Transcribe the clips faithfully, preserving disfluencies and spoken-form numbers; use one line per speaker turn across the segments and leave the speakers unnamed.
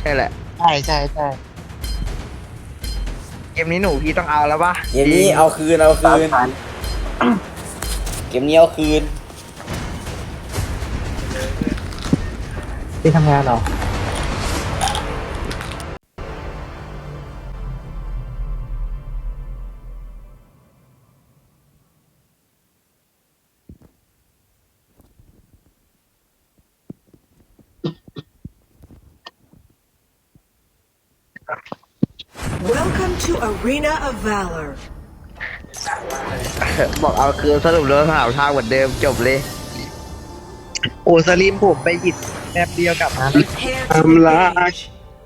ใช่แหละ
ใช่ใช่ใช่
เกมนี้หนูพี่ต้องเอาแล้วปะ
เกมนี้เอาคืนเอาคืนเกมนี้เอาคืน
ที่ทำงานเหรอ
Welcome to Arena of Valor.
บอกเอาคือสรุปเรื่องหาทางเหมือนเดิมจบเลยโอ้สลิมผมไปหยิบแป๊บเดียวกลับมา
Prepare to engage.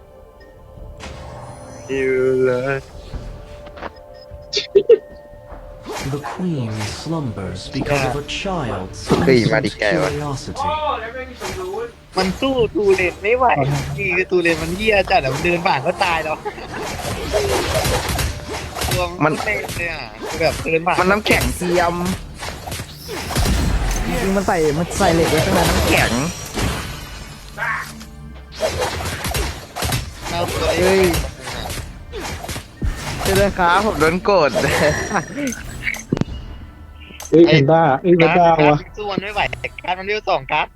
อยู่เลย
The queen slumbers because of a child's
เฮ้ยมา
innocent
ดิแกวะ
curiosity.
มันสู้ตูเลนไม่ไหวนี่คือตูเลนมันเหี้ยจัดอะมันเดินผ่านก็ตายแล้วตัวมันเต้นเลยอ่ะแบบเดินผ่านมันน้ำแข็งเทียมจริงๆมันใส่มันใส่เหล็กไว้ข้างในน้ำแข็งเฮ้ยเจ้าค้าผมโดนโกรธ
เอ้ยเห็นบ้าเอ้ยไม่บ้าวะ
สู้มันไม่ไหวแต่การมันเรียวสองการ์ด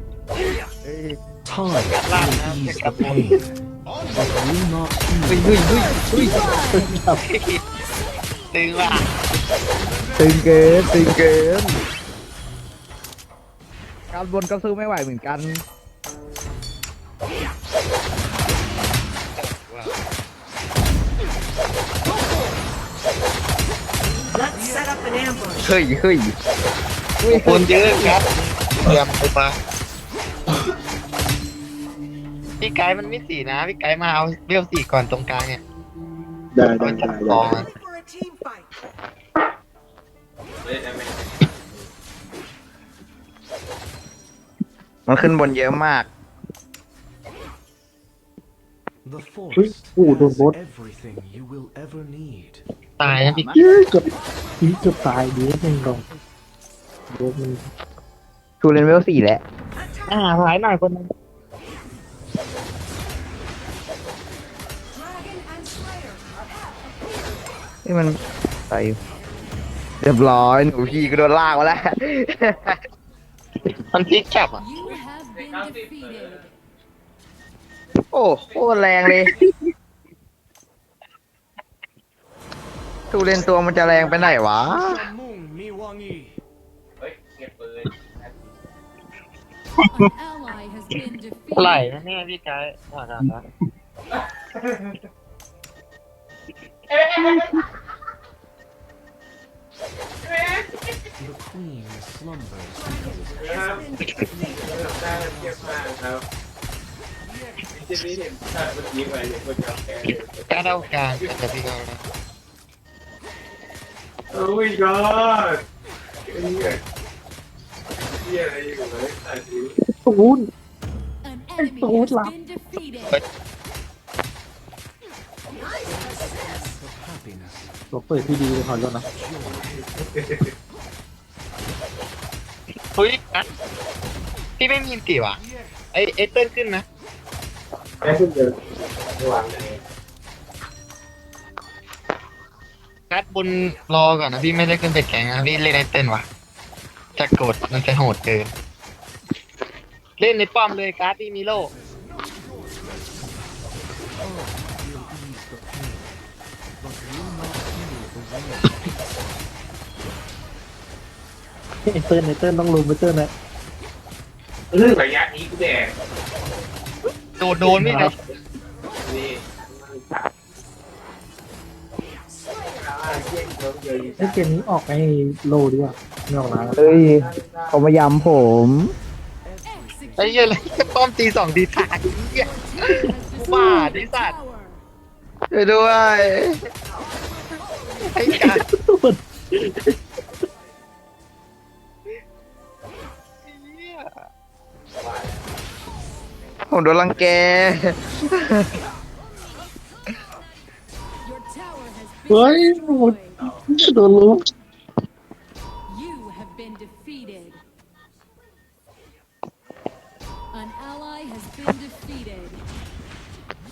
Time will ease the pain, but will not
เฮ้ย
heal.
เฮ้ยเฮ้ยเฮ้ยตึงว่ะตึงเกินตึงเกินการบนก็สู้ไม่ไหวเหมือนกัน
Let's set up an ambush.
เฮ้ยเฮ้ยคนเยอะครับเตรียมตัวมาพี่ไกด์มันไม่สี่นะพี่ไกด์มาเอาเบี้ยวสี่ก่อนตรงกลางเนี่ย
ได้ได้
เอาจั
ได้
บกองมัน
For a team fight.
มันขึ้นบนเยอะมาก
The
เฮ้ย
forest
โอ้โดน
has
บด
everything you will ever need.
ตายนะพี่
เย้ยเกือบพี่เกือบตายดีนึงลงโดนมัน
ทูเรนเวลสี่แหละอ่าหายหน่อยคนนึง
Dragon and Slayer.
นี่มันใส่เรียบร้อยหนูพี่ก็โดนลากมาแล้ว มันพลิกจับอ่ะ
You have been defeated.
โอ้โคตรแรงเลยทูเรนตัวมันจะแรงไปไหนวะ
Mung Miwangi.
An ally has been
ไหล
defeated.
นะเนี่ยพี่ไกด์ว่ากันนะ
The queen slumbers because of
กล้าเท่ากลางแต่พี่ก็นะ
โอ้ยกอดเฮียเฮียอะไรอยู่เลยตัดสิ
ตูน
An enemy
Hold
has
up.
been defeated.
of happiness.
ตัวเปิดที่ดีเลยขอโทษนะ
เฮ้ยนะพี่ไม่มีอินติวะไอเอเติ้ลขึ้นนะ
แค่ขึ้นเดินระหว่างเลย
คัดบนรอก่อนนะพี่ไม่ได้ขึ้นไปแข่งนะพี่เล่นไอเติ้ลวะจะกดมันจะโหดเกินเล่นในป้อมเลยการ์ดพี่มีโล่
Will ease the pain, but will not heal the wound.
ไอเติ้ลไอเติ้ลต้องลุมไอเติ้ลนะ
เรื่องระยะนี้กูแดก
โดนโดนไม่ได้
นี่
ไอเกมนี้ออกไอโลดีกว่าไม่ออกนะ
เฮ้ยเขามายำผม ไอ้เหี้ย
Executed.
อะไรป้อมตีสองตีตายเหี้ย
Has
Wow,
destroyed
this
the
that.
tower.
ช่วยด้วยไอ้การผมโดนรังแก
Your tower has
เฮ้ย
been
โอ้โห
destroyed.
โดนลุม
You have been defeated. An ally has been defeated.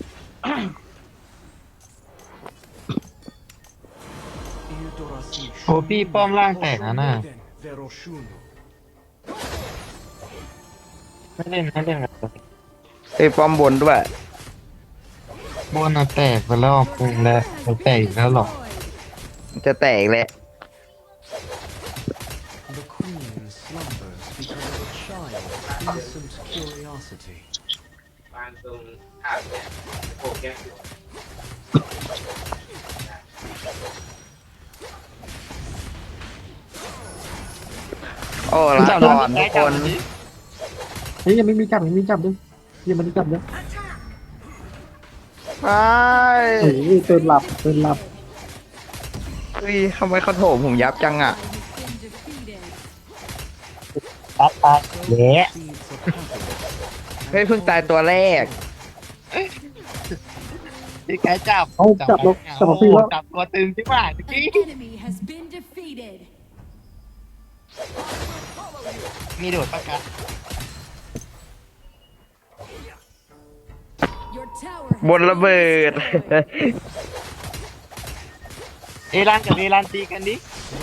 โอ้พี่ป้อมล่างแตกนะน่ะไม่เล่นไม่เล่นแบบ
เอ้ยป้อมบนด้วย
บนอะแตกไปแล้วปุงแล้วมันแตกอีกแล้วหรอ
มันจะแตกแหละ
The queen slumbers because of a child. Innocent curiosity.
บางตรงขาดเนี่ยโอ้แก
โอ้ลาก่อนทุกคน
เฮ้ยยังไม่มีจับยังไม่มีจับด้วยยังไม่ได้จับด้วย
ไป
เฮ้ยเตือนหลับเตือนหลับ
เฮ้ยทำไมเขาโถมผมยับจังอ่ะ
Has been defeated.
ตัดตายเละ
Seeds of happiness.
เฮ้ยเพิ่งตายตัวแรก
พี่แกจับ
เอาจับแล้วจับแล้วพี่แล้ว
จับตัวตึงใช่ป่ะตะ
An
กี้
enemy has been defeated.
มีโดดปะกัน
Your tower
บนระเบิด
เอรันกับเอรันตีกันดิ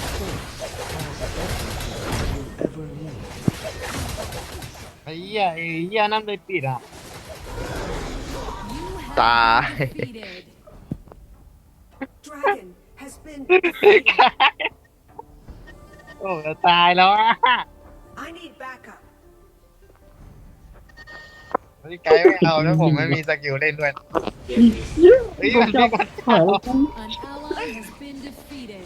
Ever need.
ไอ้เหี้ยไอ้เหี้ยนั่นเลยปิดอ่ะ
You have
ตาย
been defeated.
Dragon has been defeated.
โอ้จะตายแล้วอ่ะ
I need backup.
พี่ไกด์ไม่เอาแล้วผมไม่มีสกิลเล่นด้วย
เกมนี้
เย้
เฮ้ย
โด
มัน น
จับ
มัน
หายแล้วกู
An ally has been defeated.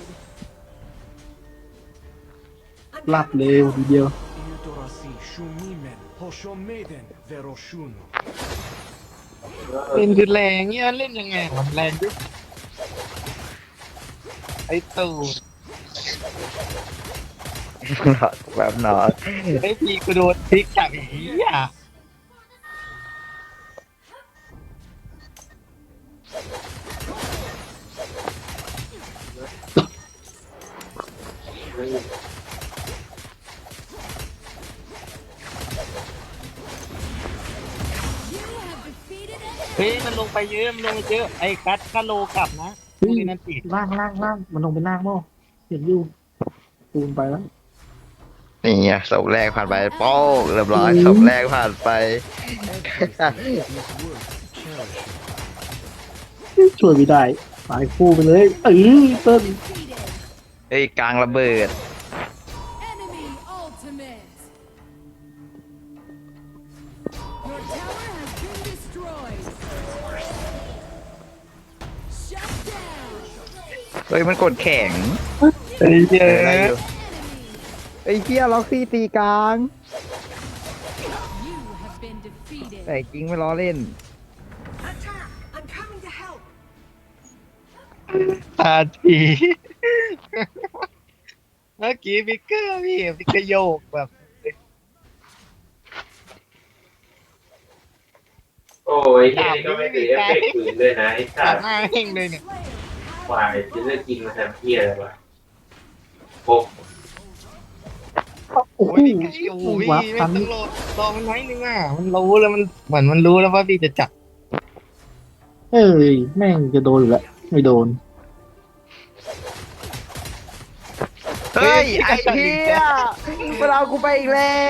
หลับเลยทีเดียว
Eudorasi shumimen hoshomeden veroshuno.
เล่นคือแรงเงี้ยเล่นยังไงมันแรงด้วยไอ้ตู่
แบบหนอน
ไอ้พี่กูโดนพลิกจับอีกอ่ะ เฮ้ยมันลงไปเยอะมันลงไปเยอะไอ้กัดกะโลกลับนะ
เฮ้ย
นี่นั่นติ
ล่างล่างล่างมันลงไปล่างมั้งเห็นอยู่ปูนไปแล้ว
นี่ไงศพแรกผ่านไปโป้งเรียบร้อยศพแรกผ่านไป
Everything is worth cherishing.
ช่วยไม่ได้ตายคู่ไปเลยเออเติ้ล
Defeated.
เฮ้ยกลางระเบิด
Enemy ultimate. Your tower has been destroyed. Shut down.
เฮ้ยมันกดแข็ง
ไอ้เหี้ย
เออได้อยู่
Enemy.
ไอ้เหี้ยล็อกซี่ตีกลาง
You have been defeated.
แต่จริงไม่ล้อเล่น
Attack! I'm coming to help.
ตาทีเมื่อกี้พิกเกอร์พี่พิกเกอร์โยกแบบ
โอ้ยที่นี่ก็ไม่ติดเอฟเฟกต์ปืนด้วยนะไอ้สั
ตั
ต
ด
ว์
หน้าเฮงเลยเนี่ย
ควายจะเลือกกินมาทำเพี้ยอะไรวะโอ้
โอ้
โอ้
โห
ยพี่ไก่โอ้โหพี่
วับ
ไม่
ทัน
ต้องรอรอมันไว้นึงอ่ะมันรู้แล้วมันเหมือนมันรู้แล้วว่าพี่จะจับ
เอ้ยแม่งจะโดนอยู่แล้วไม่โดน
เฮ้ย ไอ้เหี้ยมันเอากูไปอีกแล้ว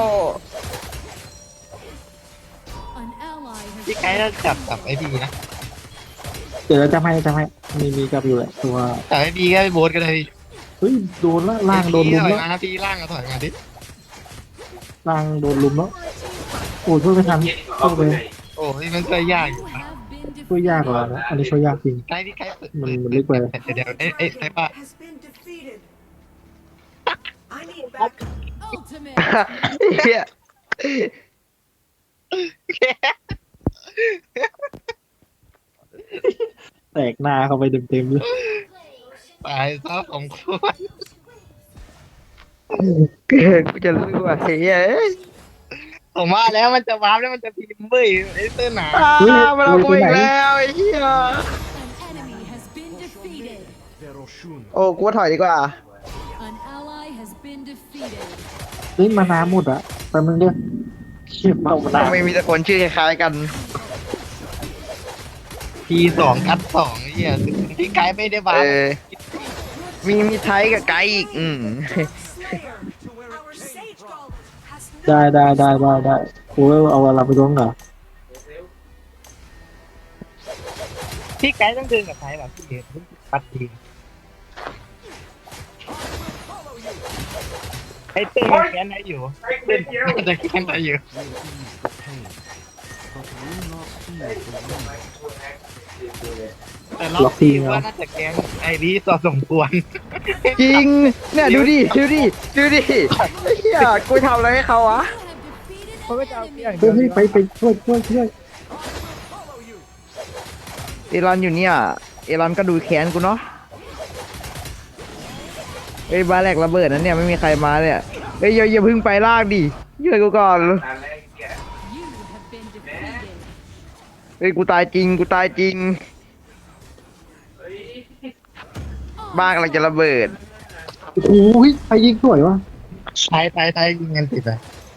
An ally has
พี่ไก่จะจับจับไอ้พี่นะ
เดี๋ยวเราจะให้จะให้มีมีกับอยู่แหละตัว
จับไอ้พี่ก็ไปโบสก็ได้พี่
เฮ้ยโดนละล่างโดนลุม
ถอย
แล้ว
มานะพี่ล่างก็ถอยมาดิ
ล่างโดนลุมแล้วโอ้ยช่วยไม่ทัน
เย็นก็
ช่
เอา
วย
ไป
ไป
ไหน
โอ้ยมันช่วยยากอยู่
You
นะ
have been
ช่วยยากกว่า
defeated.
นะอันนี้ช่วยยากจริง
ไก่พี่ไก่เปิด
มันมันลึกไป
เดี๋ยวเอ้ยเอ้ยไอ้ป้า
Has been defeated. I need backup.
Ultimate.
เหี้ย
แตกหน้าเข้าไปเต็มๆเลย
ตายซะสมควร
กูจะรู้ว่าเหี้ยเอ้ย
ผมว่าแล้วมันจะวาร์ปแล้วมันจะพิมพ์เบ้ยไอ้เต้นหนา
อ่ามันเอากูอีกแล้วไอ้เหี้ย
An enemy has been defeated.
Veroshuno.
โอ้กูว่าถอยดีกว่า
An ally has been defeated.
เฮ้ยมาน้ำหมดอะแป๊บนึงเด้อเชี่ยเมามาน้
ทำไมมีแต่คนชื่อคล้ายๆกัน
ทีสองกัดสองเฮียพี่ไกด์ไม่ได้บา
เอ
ร์
อ มีมีไทยกับไกด์อีก อืม
Our sage golem has
ได้ได้ได้ได้ได้โอ้ยเอาอะไรไปลงเหรอ
พี่ไกด์ต้องเดินกับไทยแบบพี่เห็นปัดทีไอ้เต้นยังแค้นได้อยู่เต้นน่าจะแค้นได้อยู่
Will ease the pain, but will not.
แต่รอบทีว่าน่าจะแค้นไอ้นี้ต่อสมควร
จริง เนี่ยดูดิ ดูดิ ดูดิไอ้เหี้ยกูทำอะไรให้เขาวะ
You have defeated an enemy.
เฮ้ยไปไปช่วยช่วยช่วย
เอรอนอยู่เนี่ย เอรอนก็ดูแค้นกูเนาะเฮ้ยบาแหลกระเบิดนะเนี่ยไม่มีใครมาเนี่ยเฮ้ยอย่าอย่าเพึ่งไปลากดิช่วยกูก่อน
You have been defeated.
เฮ้ยกูตายจริงกูตายจริง บ้านกำลังจะระเบิด
โอ้ยไปยิงสวยวะ
ไทยไทยไทยยิงกันติดเลย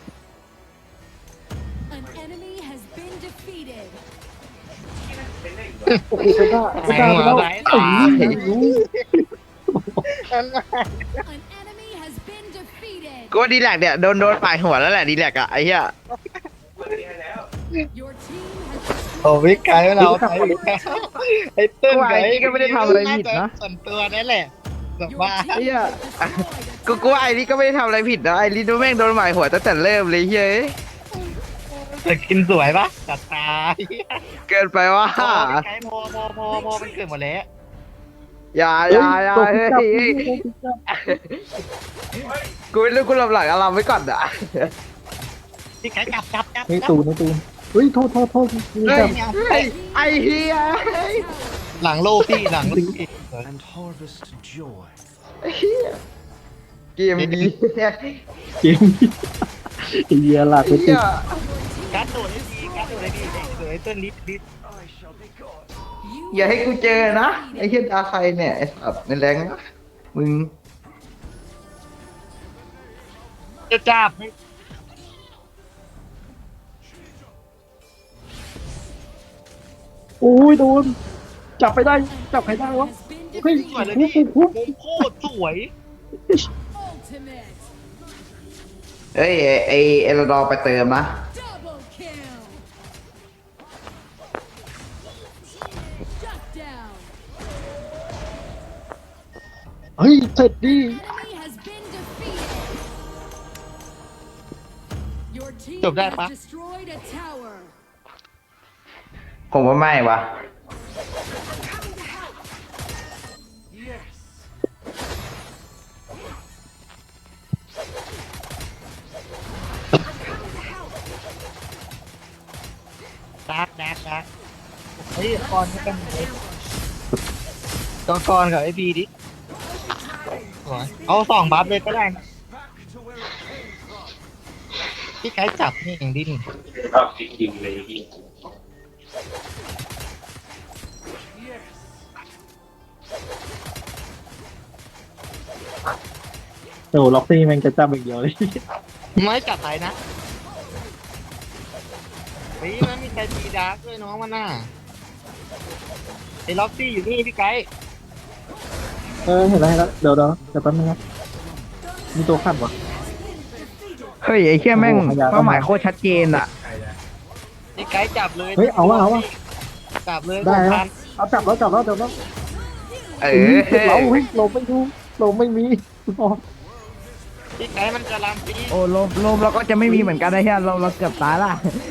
An enemy has been defeated.
โอ้โหกระด้ากระด้าไปแล้วเอ้ยรู้
An enemy has been defeated.
กูว่าดีแลกเนี่ยโดนโดนปาดหัวแล้วแหละดีแลกอะไอ้เหี้ย
Your team has
โอ้วิไกด์เราไทยไอ้เต้นไกด์
ก็ไม่ได้ทำอะไรผิดนะ
ส่วนตัวนั่นแหละแบบ
your
ว่า
team
Yeah.
has destroyed a
กูกูว่าไอ้นี่ก็ไม่ได้ทำอะไรผิดนะไอ้นี่ดูแม่งโดนหมายหัวตั้งแต่เริ่มเลยเฮ้ย
จะกินสวยปะจัดตา
เกินไปว่า
โอ้ไกด์โมโมโมโมมันเกิดหมดแล้ว
อย่าอย่าอย่าเฮ้ยเฮ้ยกูไม่รู้กูหลบหลังอารามไว้ก่อนอะ
พี่ไกด์จับจับจับ
เฮ้ยตูนนะตูนเฮ้ยโทษโทษโทษนี่
เฮ้
จั
ย
บ
เฮ้ยไอ้เหี้ย
หลังโลพี่หลังโลพี่
And harvest joy.
ไอ้เหี้ยเกมดี
เกมไอ้เหี้ยหลักไปติ
เหี้
ด
ย
การ์ดโดดให้ดีการ์ดโดดให้ดีเดี๋ยวไอ้เต้นลิฟลิฟ
You
อย่าให้กูเจอนะไอ้เหี้ยตาใครเนี่ยไอ้สัตว์ในแรงนะมึง
จะจับให้
โอ้ยโดนจับไปได้จับใครได้วะ
has been
เฮ้ย
สวยเลย
คุก
พี่
คุก
มุมโคตรสวย
ultimate.
เฮ้ยไอ้ไอ้เอลดอร์ไปเติมนะ
Double kill. Shut down.
เฮ้ยเสร็จดิ
Enemy has been defeated. Your team
จบได้
has
ปะ
destroyed a tower.
ผมว่าไม่วะ
ดักดักดักเฮ้ยกอนก็เป็นไงกอนกอนกับไอ้บีดิสวยเอาสองบัฟเลยก็ได้นะพี่ไกด์จับนี่อย่างดิ้น
ชอบจริงๆเลยพี่
โอ้ล็อกซี่แม่งจะจับอย่างเดียวเลย
ไม่จับไปนะเฮ้ยมันมีใจตีดาร์กด้วยน้องมันน่ะไอ้ล็อกซี่อยู่นี่พี่ไกด์
เออเห็นแล้วเห็นแล้วเดี๋ยวเดี๋ยวเดี๋ยวแป๊บนึงนะมีตัวขับวะ
เฮ้ยไอ้เหี้ยแม่ง
โอ้โหพยายาม
เป้าหมายโคตรชัดเจนอะ
พี่ไกด์จับเลย
เฮ้ยเอาวะเอาวะ
จับเลย
ได้
ผม
แล้
พั
วน เอาจับแล้วจับแล้วจับแล้ว
เอ
เฮ้ย
อ
เสร็จแล้วเฮ้ยเราไม่รู้เราไม่มีอ๋อ
พี่ไกด์มันจะลามปี
โอ้ลมลมเราก็จะไม่มีเหมือนกันนะเฮียเราเราเกือบตายละ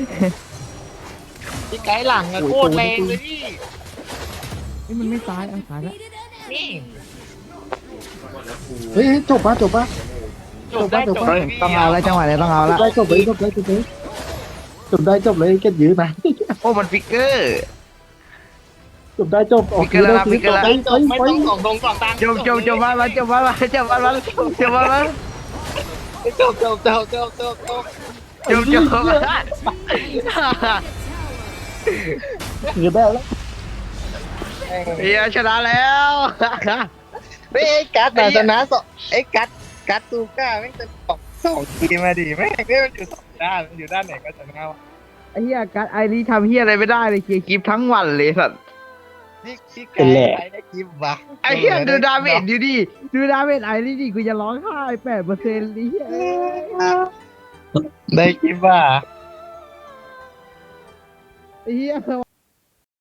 พี่ไกด์หลังอะโคตรแรงเลยพี่
นี่มันไม่ตายอ่ะตายแล้ว
Defeated an
นี่
enemy.
เฮ้ยจบปะจบปะ
จบได้จบ
เฮ้
เลย ยพี่
ต้องเอาแล้วจังหวะนี้ต้องเอา
จ
แล้ว
บได้จบเลยจบได้จบเลยจบได้จบเลยเก็บยื้อนะ
โอ้มันฟิกเกอร์
จบได้จบออก
พิกเกอร์แล้วนะพิกเกอร์แล้ว
ได้จบไม่ต้องส่งตรงส่งตัง
จบจบจบมาแล้วจบมาแล้วจบมาแล้วจบมาแล้ว
จบจบจบจบจบจบ
จบจบมาแล้ว
ยื้อได้แล้ว
เฮียชนะแล้ว
เฮ้ยไอ้กัดแต่ชนะสองไอ้กัดกัดตูก้าแม่งจะสองสองทีมาดิแม่งเนี่ยมันอยู่สองด้านมันอยู่ด้านไหนก็ชนะวะ
ไอ้เฮียการไอรีทำเฮียอะไรไม่ได้เลยเคลียร์คลิปทั้งวันเลยสัตว์
พี่พี่
เป็นแหละ
ไกด์ได้คลิปวะ
ไอ้เหี้ยดูดาเมจดูดิดูดาเมจไอ้นี่ดิกูจะร้องไห้แปดเปอร์เซ็นต์นี่เหี้ย
ได้คลิปว่ะ
ไอ้เหี้ย